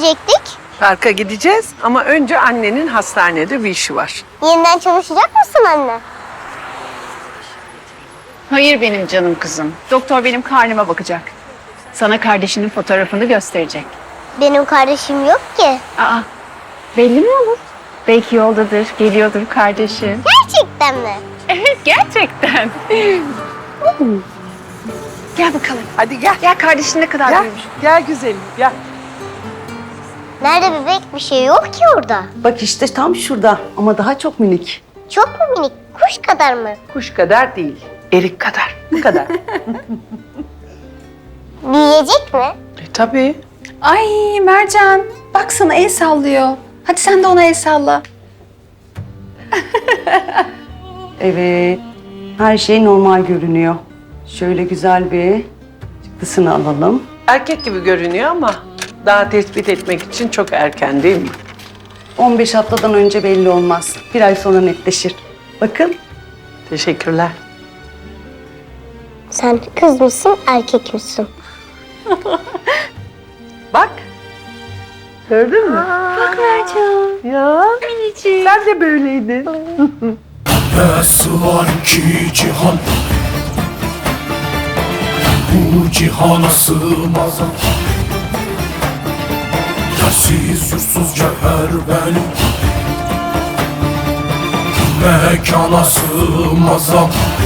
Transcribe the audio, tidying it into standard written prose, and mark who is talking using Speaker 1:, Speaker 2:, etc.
Speaker 1: gidecektik?
Speaker 2: Parka gideceğiz ama önce annenin hastanede bir işi var.
Speaker 1: Yeniden çalışacak mısın anne?
Speaker 3: Hayır benim canım kızım. Doktor benim karnıma bakacak. Sana kardeşinin fotoğrafını gösterecek.
Speaker 1: Benim kardeşim yok ki.
Speaker 3: Aa, belli mi olur? Belki yoldadır, geliyordur kardeşin.
Speaker 1: Gerçekten mi?
Speaker 3: Evet, gerçekten. Gel bakalım.
Speaker 2: Hadi gel.
Speaker 3: Gel kardeşin ne kadar
Speaker 2: Gel,
Speaker 3: büyümüş.
Speaker 2: gel güzelim gel.
Speaker 1: Nerede bebek? Bir şey yok ki orada.
Speaker 4: Bak işte tam şurada ama daha çok minik.
Speaker 1: Çok mu minik? Kuş kadar mı?
Speaker 2: Kuş kadar değil, erik kadar. Bu kadar.
Speaker 1: Büyüyecek mi?
Speaker 2: Tabii.
Speaker 3: Ay Mercan, bak sana el sallıyor. Hadi sen de ona el salla.
Speaker 4: Evet, her şey normal görünüyor. Şöyle güzel bir çıktısını alalım.
Speaker 2: Erkek gibi görünüyor ama daha tespit etmek için çok erken değil mi?
Speaker 4: 15 haftadan önce belli olmaz. Bir ay sonra netleşir. Bakın.
Speaker 2: Teşekkürler.
Speaker 1: Sen kız mısın, erkek misin?
Speaker 2: Bak. Gördün mü?
Speaker 3: Bak Mercan.
Speaker 2: Ya. Sen de böyleydin.
Speaker 5: Nasıl var ki cihan, bu cihana sığmaz. Yersiz yursuz cevher benim, mekana sığmaz.